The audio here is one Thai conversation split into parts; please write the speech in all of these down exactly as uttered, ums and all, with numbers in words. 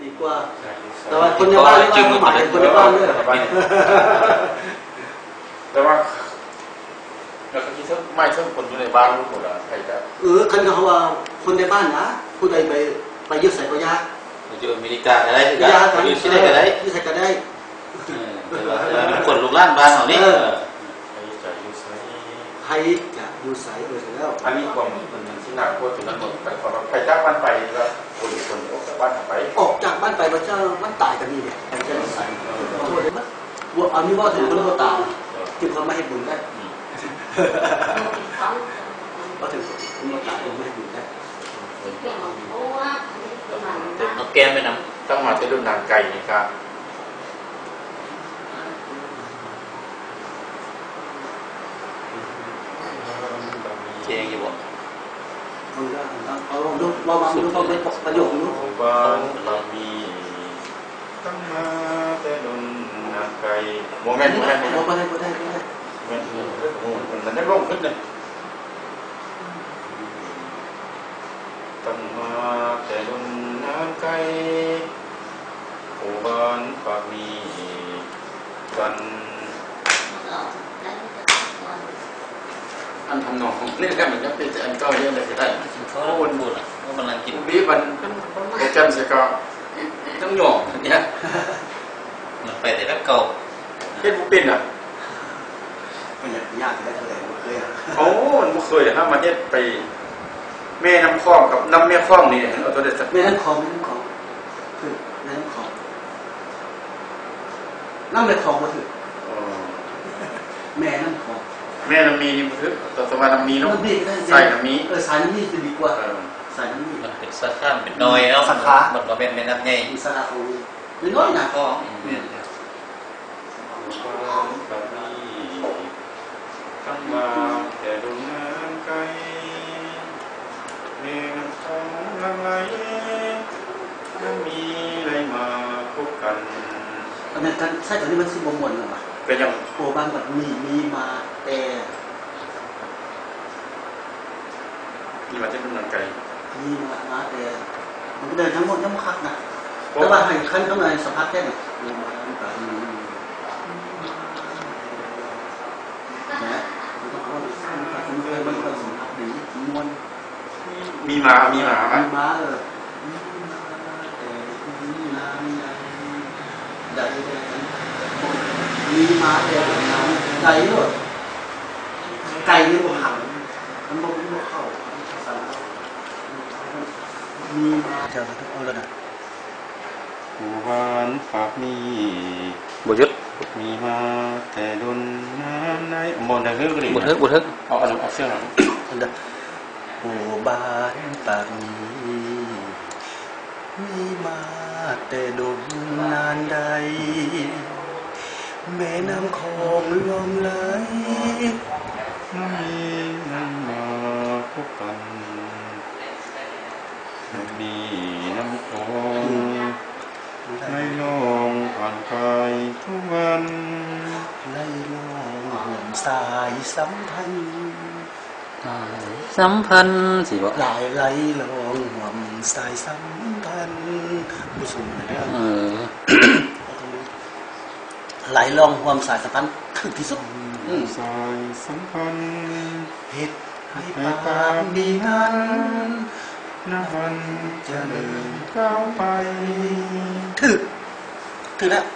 ดีกว่าแต่ว่าคนในบ้านจริงหมายถึงคนในบ้านด้วยแต่ว่าแล้วก็ที่ทั้งไม่ทั้งคนอยู่ในบ้านรู้หมดอ่ะใครจะเออคันเขาว่าคนในบ้านนะผู้ใดไปไปยึดใส่ก็ยากอยู่อเมริกาอะไรก็ได้อยู่ที่ไหนก็ได้ที่ใส่ก็ได้คนลูกหลานบ้านเขานี่ใครจะอยู่ใส่เออเสร็จแล้วอันนี้ความมันมันที่หนักกว่าถึงนั้นหมดไปขอใครจ้างบ้านไปแล้วคนคนออกจากบ้านไปออกจากบ้านไปพระเจ้ามันตายกันนี่เนี่ยใครจะใส่ขอโทษได้ไหมว่าอันนี้ว่าถึงคนว่าตายจึงคนไม่ให้บุญได้ก็ถึงคนว่าตายไม่ให้บุญได้เอาแกมไปนำต้องมาจะรุ่นนางไก่นี่ครับเชียงอยู่บ่มันก็เอาลองดูเรามาดูเขาเป็นประโยคนู้นบ้านเรามีตั้งมาแต่รุ่นนางไก่โมเมนต์โมเมนต์โมเมนต์โมเมนต์โมเมนต์โมเมนต์มันได้ร่มขึ้นเลยตั้งมาแต่รุ่นนางไก่ผู้บ้านปากมีกันอันทำนองนี่แหละมันจะเป็นอันก็เยอะเลยก็ได้เขาวนบุญอ่ะเขากำลังกินบีมันโปรแกรมเสียก็ต้องหย่อนเนี่ยมันไปแต่ละเก่าเฮ็ดบุปินอ่ะมันยากได้เท่าไหร่มันเคยอ่ะโอ้มันบ่เคยนะมาเฮ็ดไปแม่น้ำคลองกับน้ำแม่คลองนี่เอาตัวเด็ดสักแม่น้ำคลองแม่น้ำคลองคือแม่น้ำคลองน้ำแม่คลองมาถือแม่น้ำคลองแม่น้ำมีนี่มันคือตัวสมาน้ำมีเนาะใส่น้ำมีเออสายน้ำมีจะดีกว่าสายน้ำมีมันเป็นสักข้ามเป็นน้อยเนาะสักขามันก็เป็นแม่น้ำใหญ่มีสาขาโอ้ยเป็นน้อยนะก็ตั้งมาแต่ดวงน้ำไกลเมื่อท้องลังไหลน้ำมีไหลมาพบกันอันนั้นกันใช่ตอนนี้มันสิบโมงหรอวะเป็นยังโอ้บางแบบมีมีมาแต่มีมาที่ดวงน้ำไกลมีมามาแต่มันก็เดินทั้งหมดทั้งคักนะแต่ว่าให้ขั้นข้างในสัมผัสแค่ไหนมีมาแบบนี้นะมันต้องเอาสร้างการมันเคยมันเคยสัมผัสดีมวลมีมามีมามีมาเออได้มีมาแต่น้ำไก่ด้วยไก่นี่มันหันมันบอกมันเข้ามีมาเจอทุกคนแล้วนะผู้บ้านฝากมีบุญยึดมีมาแต่ดุนน้ำในบนได้เฮือกเลยบุญฮึกบุญฮึกเอาเอาเอาเสื้อหน่อยผู้บ้านฝากมีมีมาแต่ดุนนานใดแม่น้ำคลองลมไหลน้ำมีน้ำมาพบกันน้ำมีน้ำคลองไหลลงผ่านไปทุกวันไหลลงห่วงสายสัมพันธ์สัมพันธ์สิบ่ไหลไหลลงห่วงสายสัมพันธ์ผู้สูงอายุเออไหลลงความสายสัมพันธ์ถึงที่สุดสายสัมพันธ์เหตุให้ปากมีนั้นนับวันจะเดินก้าวไปถึงถึงแล้ว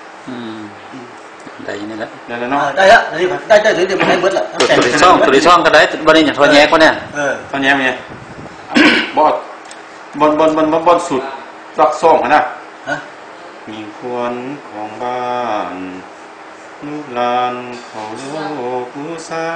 ได้ยังไงละได้แล้วเนาะได้แล้วได้ได้ได้เดี๋ยวมันได้เบิดละตัวที่ช่องตัวที่ช่องก็ได้บริอย่างทอแย้ก็เนี่ยเออทอแย้ไงบอดบนบนบนบนสุดรักซ่องนะมีควรของบ้านลูกหลานเขาโลกอุษา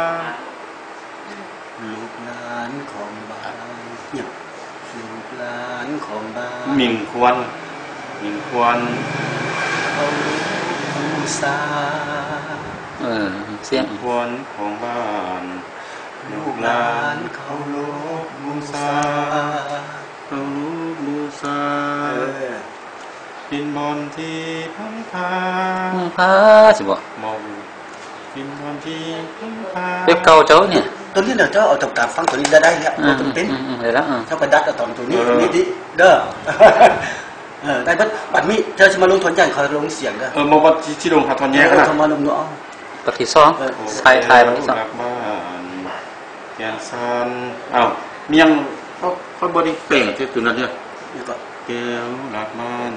ลูกหลานของบ้านเนี่ยลูกหลานของบ้านมิงควรมิงควรเขาอุษาเออเสียงควรของบ้านลูกหลานเขาโลกอุษาเขาโลกอุษาดินบนที่พังพาพาสิบ่มองดินบนที่พังพาเด็กเก่าเจ้าเนี่ยตัวนี้เดี๋ยวเจ้าเอาจากการฟังตัวนี้ได้ได้แล้วตัวเป็นเดี๋ยวแล้วเจ้าไปดัดเอาตอนตัวนี้นี่ดิเด้อเออได้บัดบัดมีเธอจะมาลงทอนใหญ่เขาลงเสียงเด้อเออมาบัดที่ลงหาทอนแยกนะเขามาลงเนาะบัดที่สองไทยไทยบัดที่สองบ้านแกนซันอ้าวมียังเขาเขาบ่ได้เปล่งที่ตัวนั้นเนี่ยแก้วหลักบ้าน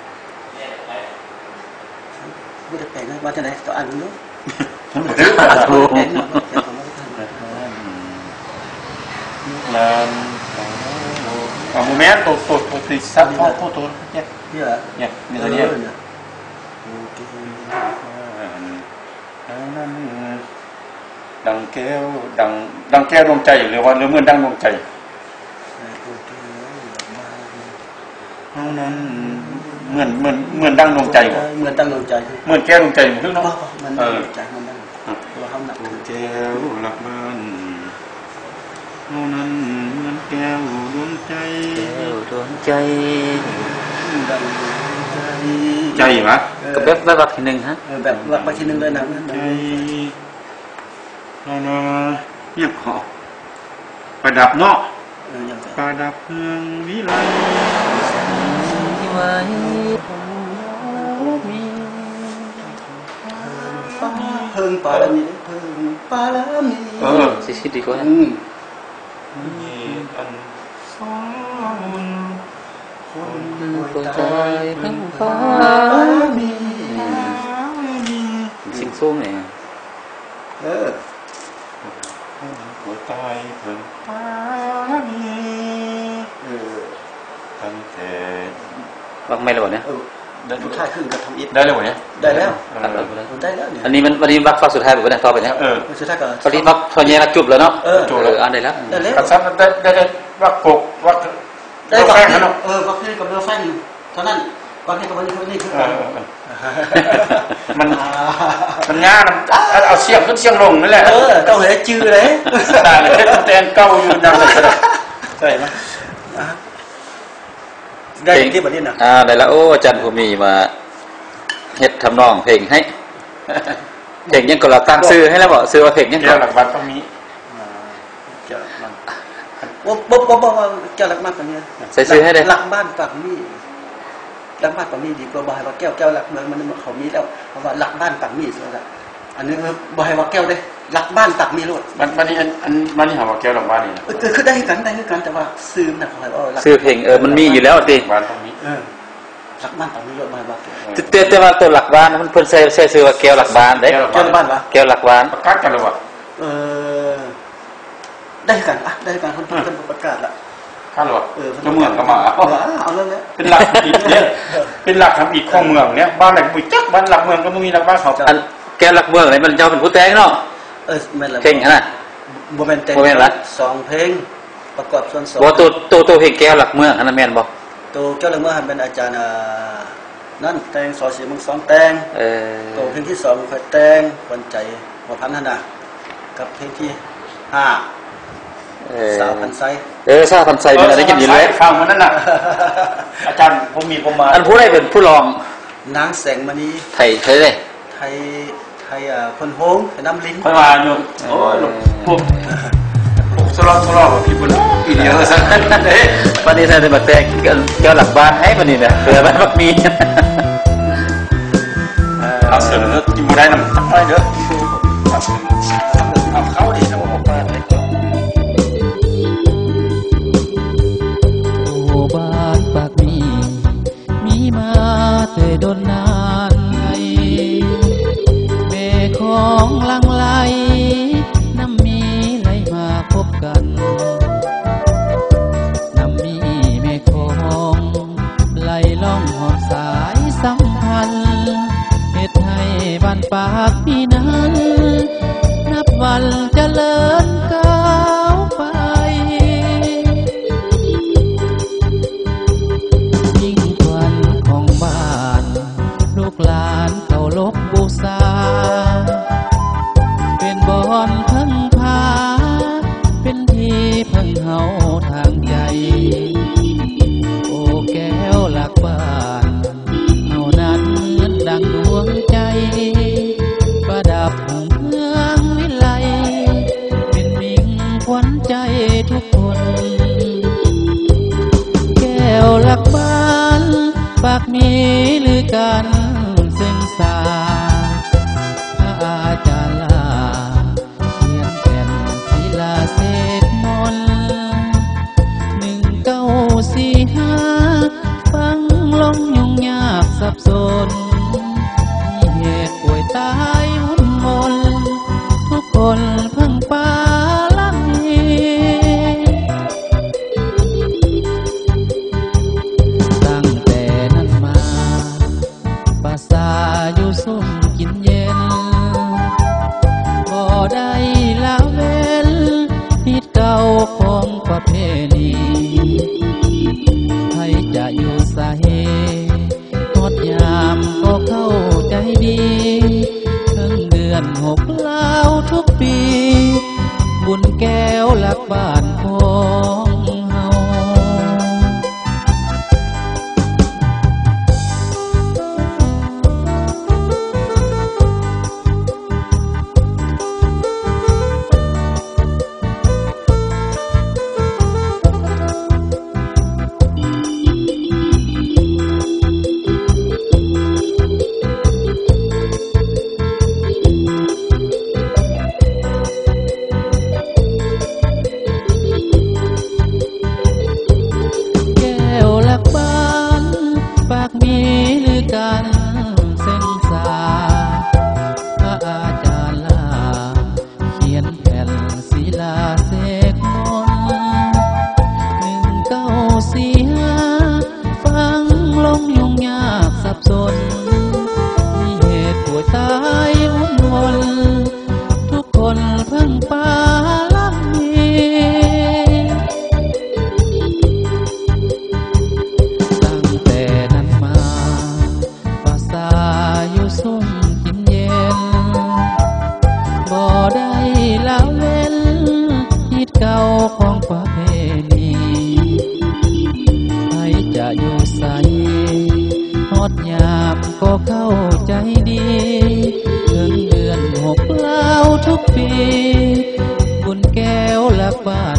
บ่ได้แปลงมาจากไหนต่ออันนู้นถูกลานอ่าโมเมนต์ตัวตัวตัวที่ซับตัวตัวตัวเนี่ยเนี่ยเนี่ยนี่ตัวนี้ดังแก้วดังดังแก้วดวงใจหรือว่าหรือเหมือนดังดวงใจเท่านั้นเหมือนเหมือนเหมือนดังดวงใจเหมือนดังดวงใจเหมือนแก้วดวงใจเหมือนเนาะเออใจมันดังตัวเฮาหนักแก้วหลักบ้านเท่านั้นเหมือนแก้วดวงใจแก้วดวงใจดังใจใจหรอก็แบบแบบทีนึงฮะแบบแบบทีนึงเลยนะใจเนาะเนี่ยขอประดับเนาะประดับเมืองวิไลไว้เพิ่งปาลามีเพิ่งปาลามีเออสิสิดีกว่ามีอันสองคนหัวใจเพิ่งฟ้ามีสิ่งสูงเนี่ยเออหัวใจเพิ่งฟ้ามีเออตั้งแต่ว่าไม่เลยเนี่ยได้ทุกท่าขึ้นกับทำอิฐได้เลยวะเนี่ยได้แล้วได้แล้วอันนี้มันวันนี้บักฟักสุดท้ายแบบนี้ต่อไปเนี่ยเออสุดท้ายก็ตอนนี้บักตอนนี้เราจุบแล้วเนาะจุบแล้วอันได้แล้วได้แล้วกับซับได้ได้ได้บักปกบักได้บักเออบักนี่กับเรือไฟเท่านั้นบักนี่กับวันนี้วันนี้คือมันมันง่ายเอาเสียงขึ้นเสียงลงนั่นแหละเออเก้าเหยจือเลยตาเลยแตนเก้าอยู่นั่นเลยใช่ไหมได้ที่แบบนี้นะอ่าได้แล้วโอ้อาจารย์ภูมิมาเฮ็ดทำนองเพลงให้เพลงยังก็เราตั้งชื่อให้แล้วบอกชื่อว่าเพลงยังก็หลักบ้านต้องมีเจ้าหลักบ้านบ๊บบ๊บบ๊บว่าเจ้าหลักบ้านแบบนี้ใส่ชื่อให้ได้หลักบ้านฝั่งนี้หลักบ้านฝั่งนี้ดีกว่าบายว่าแก้วแก้วหลักเมืองมันเขามีแล้วเพราะว่าหลักบ้านฝั่งนี้สุดละอันนี้บายว่าแก้วได้หลักบ้านฝั่งนี้โลดมันมันนี่อันอันมันนี่หาว่าแก้วหลักบ้านนี่เออคือได้กันได้กันแต่ว่าซื้อนะเขาเออซื้อเพลงเออมันมีอยู่แล้วสิบ้านตรงนี้เออหลักบ้านฝั่งนี้โลดบายว่าเตี้ยแต่ว่าตัวหลักบ้านมันเพิ่นใส่ใส่ซื้อว่าแก้วหลักบ้านได้แก้วหลักบ้านวะแก้วหลักบ้านประกาศกันหรือวะเออได้กันอ่ะได้กันคนคนประกาศละข้าหรอเออเมืองก็มาเอาเรื่องนี้เป็นหลักอีกเนี่ยเป็นหลักทำอีกของเมืองเนี่ยบ้านไหนบุญจักบ้านหลักเมืองก็ไม่มีหลักบ้านเขาแก้วหลักเมืองไหนมันเจ้าเป็นผู้แต่งเนาะเออแม่นละเพลงนะโมเมนต์แต่งสองเพลงประกอบส่วนสองบ่ตัวตัวตัวเพลงแก้วหลักเมืองอันนั้นแม่นบ่ตัวแก้วหลักเมืองเป็นอาจารย์นั่นแต่งสอสีมึงสองแต่งเออตัวเพลงที่สองค่อยแต่งวันใจหัวพันนั่นน่ะกับเพลงที่ห้าสาวพันไซเออสาวพันไซมันได้ยินอยู่แล้วฟังมันนั่นน่ะอาจารย์ผมมีผมมาอันผู้ใดเป็นผู้ร้องนางแสงมณีไทยไทยเด้ไทยไทยอ่ะคนโฮงไทยน้ำลิ้นค่อยมาอยู่โอ้ยพวกพวกสลอสลอพี่บุญอีเดียวซะเด้วันนี้ท่านได้มาแต่งแก้วหลักบ้านให้วันนี้เนี่ยเผื่อมันมักมีเอาเสนอกินบ่ได้นำได้เด้อเอาเข้าดิเอาออกมาได้ก่อนบ้านปากมีมีมาแต่ดนนานไงแม่ของลังไหลน้ำมีไหลมาพบกันน้ำมีแม่ของไหลล่องหอบสายสัมพันธ์เหตุให้บ้านปากมีนั้นนับวันเจริญก้าวไปลูกหลานเคารพบูชาเป็นบ่อนพึ่งพาเป็นที่พึ่งเฮาทางใจโอ้แก้วหลักบ้านเฮานั้นดังดวงใจประดับเมืองวิไลเป็นมิ่งขวัญใจทุกคนแก้วหลักบ้านปากมีหรือกันซึ่งสาพระอาจารย์ลาเขียนแผ่นศิลาเศษมนต์หนึ่งเก้าสี่ห้าฟังลงยุ่งยากสับสนมีเหตุป่วยตายวุ่นมนทุกคนเพิ่งปาลังตั้งแต่นั้นมาภาษาอยู่สุ่มกินเย็นบ่ได้ละเว้นผิดเก่าของประเพณีให้จะอยู่สาเหตุงดยามก็เข้าใจดีทั้งเดือนหกเล่าทุกปีบุญแก้วหลักบ้านของเฮากันเส้นสาพระอาจารย์ลาเขียนแผ่นศิลาเสกมนต์หนึ่งเก้าสี่ห้าฟังลงยุ่งยากสับสนมีเหตุป่วยตายวุ่นวลทุกคนเพิ่งปาลังตั้งแต่นั้นมาอยู่สุ่มกินเย็นบ่ได้ละเว้นผิดเก่าของประเพณีใครจะอยู่ใสฮอดยามก็เข้าใจดีถึงเดือนหกเล่าทุกปีบุญแก้วหลักบ้าน